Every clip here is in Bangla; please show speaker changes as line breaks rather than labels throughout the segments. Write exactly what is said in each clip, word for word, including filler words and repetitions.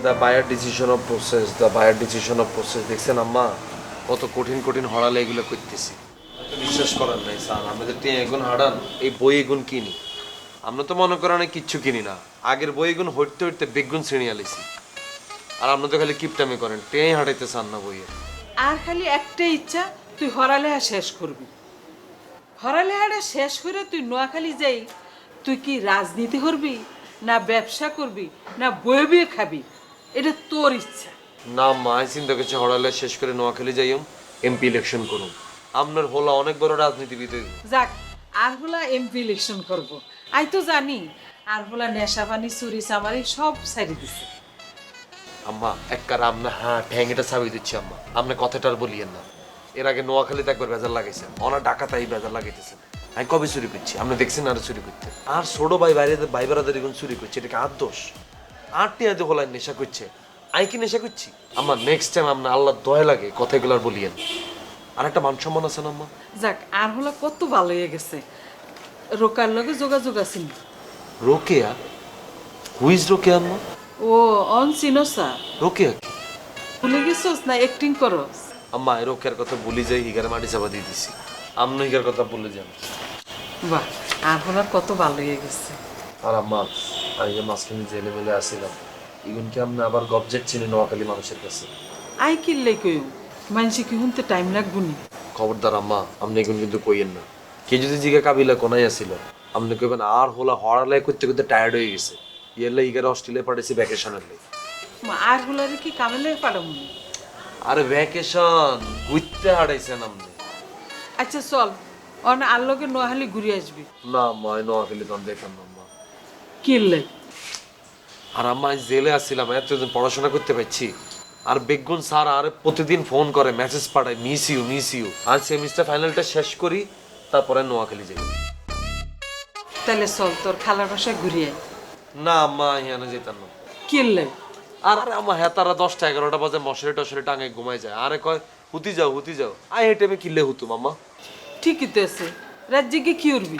The buyer decision of process the buyer decision of process দেখছেন আম্মা কত কঠিন কঠিন হড়ালে এগুলো করতেছি। তো বিশ্বাস করার নাই স্যার, আমরা যে টিয়া এগুন হারান এই বই এগুন কিনি, আমরা তো মনে করেন কিচ্ছু কিনি না। আগের বই এগুন হইতে হইতে বেগুন শ্রেণী আলিছি, আর আপনার তো খালি কিপটামি করেন, টেঁই হাঁটাইতে চান না বইয়ের।
আর খালি একটাই ইচ্ছা, তুই হরালেহা শেষ করবি। হরালেহাটা শেষ করে তুই নোয়াখালী যাই, তুই কি রাজনীতি করবি না ব্যবসা করবি না বয়ে বয়ে খাবি, এটা তোর ইচ্ছা।
না মা, আমি চিন্তা করছি হড়ালে শেষ করে নোয়াখালী যাইম, এমপি ইলেকশন করুন। আপনার হলো অনেক বড় রাজনীতিবিদ হইব।
যাক, আর হলা এমপি ইলেকশন করবো, আই তো জানি। আর হলা নেশা পানি চুরি চামারি সব ছাড়ি দিছে।
আম্মা একবার আপনি হ্যাঁ ঠ্যাংটা ছাবি দিচ্ছি আম্মা, আপনি কথাটা আর বলিয়েন না। এর আগে নোয়াখালীতে একবার বেজার লাগাইছেন, ওনার ডাকাতাই বেজার লাগাইতেছেন। আমি কবে চুরি করছি? আপনি দেখছেন আর চুরি করতে? আর ছোট ভাই বাইরে ভাই বেড়াদের এখন চুরি করছে, এটাকে আর দোষ? আর টিয়াতে হলায় নেশা করছে, আই কি নেশা করছি? আমার নেক্সট টাইম আপনার আল্লাহ দয়া লাগে কথাগুলো আর বলিয়েন। আর একটা মান সম্মান আছে না আম্মা?
যাক, আর হলা কত ভালো হয়ে গেছে, রোকার লগে যোগাযোগ আছিল।
রোকেয়া? হুইজ রোকেয়া আম্মা?
ও অন চিনোসা?
রোকেয়া কি?
ভুলে গেছোস না অ্যাক্টিং করস?
আম্মা এই রোকেয়ার কথা ভুলে যাই, হিগারে মাটি চাপা দিয়ে দিছি। আপনি হিগার কথা ভুলে যান।
বাহ, আর হলার কত ভালো হয়ে গেছে।
আর আম্মা আমি যে মাঝখানে জেলে মেলে আসছিলাম, ইগুন কি আপনি আবার গবজেট চিনি নোয়াখালী মানুষের কাছে?
আই কিনলে কইও, মানুষে কি শুনতে টাইম লাগবো নি?
খবরদার আম্মা, আপনি এগুন কিন্তু কইয়েন না। কে যদি জিগা কাবিলা কোনাই আসছিল, আপনি কইবেন আর হলা হড়ালাই করতে করতে টায়ার্ড হয়ে গেছে, ইয়েলে ইগারে অস্ট্রেলিয়া পাঠাইছি ভ্যাকেশনের লাই।
আর হলারে কি কামেলে পারম?
আরে ভ্যাকেশন ঘুরতে হারাইছেন আপনি।
আচ্ছা চল, অন আর লগে নোয়াখালী ঘুরে আসবি।
না আম্মা, এই নোয়াখালী তখন দেখলাম না আম্মা।
কিনলে?
আর আম্মা আমি জেলে আসছিলাম, এতদিন পড়াশোনা করতে পারছি। আর বেগুন স্যার আর প্রতিদিন ফোন করে, মেসেজ পাঠায়, মিস ইউ মিস ইউ। আর সেমিস্টার ফাইনালটা শেষ করি, তারপরে নোয়াখালী যাই।
তাহলে চল, তোর খালার বাসায় ঘুরে আয়।
না আম্মা, এখানে যেতাম না।
কিনলে?
আর আরে আমার হেতারা দশটা এগারোটা বাজে মশারি টশারি টাঙে ঘুমাই যায়, আরে কয় হুতি যাও হুতি যাও। আই হেঁটে আমি কিনলে হুতুম আম্মা।
ঠিকই তো আছে, রাজ্যে গিয়ে কি উঠবি?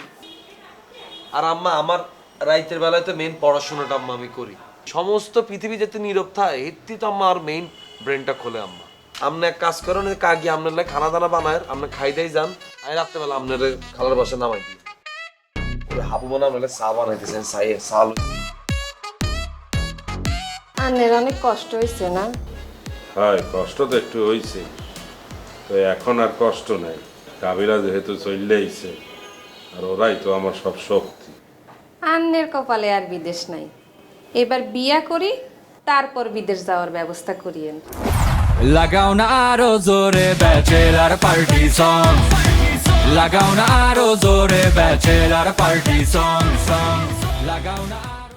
আর আম্মা আমার রাইতের বেলায় তো মেইন পড়াশোনাটা আম্মা আমি করি। সমস্ত পৃথিবী যাতে নীরব থাকে এটি তো আম্মা আর মেইন ব্রেনটা খোলে আম্মা। আপনি এক কাজ করেন, কাকি আপনার লাগে খানা দানা বানায়, আপনি খাই দেয় যান। আমি রাত্রেবেলা আপনার খালার বাসা নামাই দিই। হাবু মনে আপনার চা বানাইতেছেন, চাইয়ে চাল।
আন্নের অনেক কষ্ট হয়েছে না?
হয়, কষ্ট তো একটু হয়েছে, তো এখন আর কষ্ট নাই। কাবিলা যেহেতু চলে আইছে, আর ওরাই তো আমার সব শক্তি।
আন্নের কপালে আর বিদেশ নাই, এবার বিয়া করি তারপর বিদেশ যাওয়ার ব্যবস্থা করিয়েন।
লাগাও না আরো জোরে ব্যাচেলার পার্টি সং, লাগাও না আরো জোরে ব্যাচেলার পার্টি সং সং, লাগাও না।